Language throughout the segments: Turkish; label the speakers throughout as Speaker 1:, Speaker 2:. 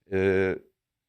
Speaker 1: Ee,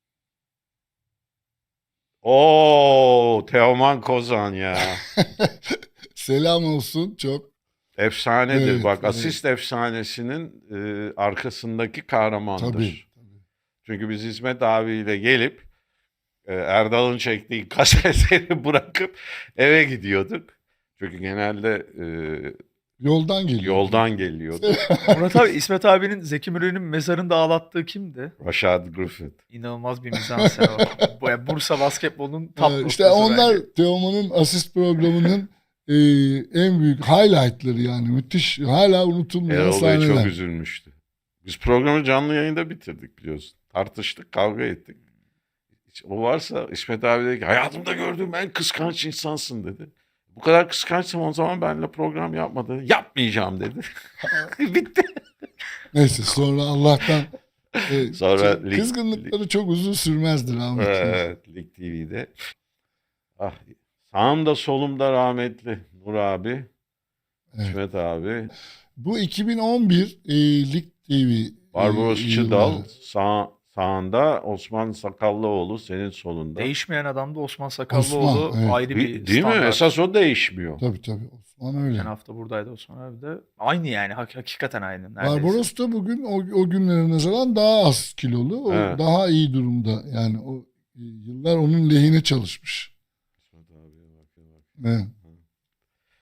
Speaker 1: o Teoman Kozan ya.
Speaker 2: Selam olsun çok.
Speaker 1: Efsanedir.
Speaker 2: Evet,
Speaker 1: Bak
Speaker 2: evet.
Speaker 1: asist efsanesinin arkasındaki
Speaker 2: Tabii.
Speaker 1: kahramandır. Çünkü biz İsmet abiyle gelip Erdal'ın çektiği kasetleri bırakıp eve gidiyorduk. Çünkü genelde
Speaker 2: Yoldan geliyordunuz.
Speaker 1: yoldan geliyordu.
Speaker 3: Murat abi, İsmet abinin Zeki Müren'in mezarında ağlattığı kimdi?
Speaker 1: Rashad Griffith.
Speaker 3: İnanılmaz bir mizansen o. Yani Bursa basketbolunun top
Speaker 2: İşte
Speaker 3: noktası
Speaker 2: onlar
Speaker 3: bence.
Speaker 2: Teoman'ın asist programının en büyük highlightları yani. Müthiş, hala unutulmayan
Speaker 1: Erol Bey çok
Speaker 2: sahneler.
Speaker 1: üzülmüştü. Biz programı canlı yayında bitirdik biliyorsun. Tartıştık, kavga ettik. O varsa İsmet abi dedi ki hayatımda gördüğüm en kıskanç insansın dedi. Bu kadar kıskançsam o zaman benimle program yapma dedi. Yapmayacağım dedi. Bitti.
Speaker 2: Neyse sonra Allah'tan
Speaker 1: Sonra lig-
Speaker 2: kızgınlıkları çok uzun sürmezdi rahmetli.
Speaker 1: Evet, Lig TV'de. Ah, sağımda solumda rahmetli Nur abi,
Speaker 2: Evet.
Speaker 1: İsmet abi,
Speaker 2: Bu 2011 Lig TV
Speaker 1: Barbaros Çıdal,
Speaker 2: yılları.
Speaker 1: sağında Osman Sakallıoğlu, senin solunda.
Speaker 3: Değişmeyen adam da Osman Sakallıoğlu,
Speaker 2: Osman, evet.
Speaker 3: ayrı bir
Speaker 1: Değil mi?
Speaker 3: standart.
Speaker 1: Esas o değişmiyor.
Speaker 2: Tabii Osman öyle.
Speaker 3: Geçen hafta buradaydı Osman abi de. Aynı yani, hakikaten aynı neredeyse.
Speaker 2: Barbaros da bugün o günlere nazaran daha az kilolu. O
Speaker 1: Evet.
Speaker 2: daha iyi durumda. Yani o yıllar onun lehine çalışmış.
Speaker 1: İsmet abiye bak.
Speaker 2: Evet.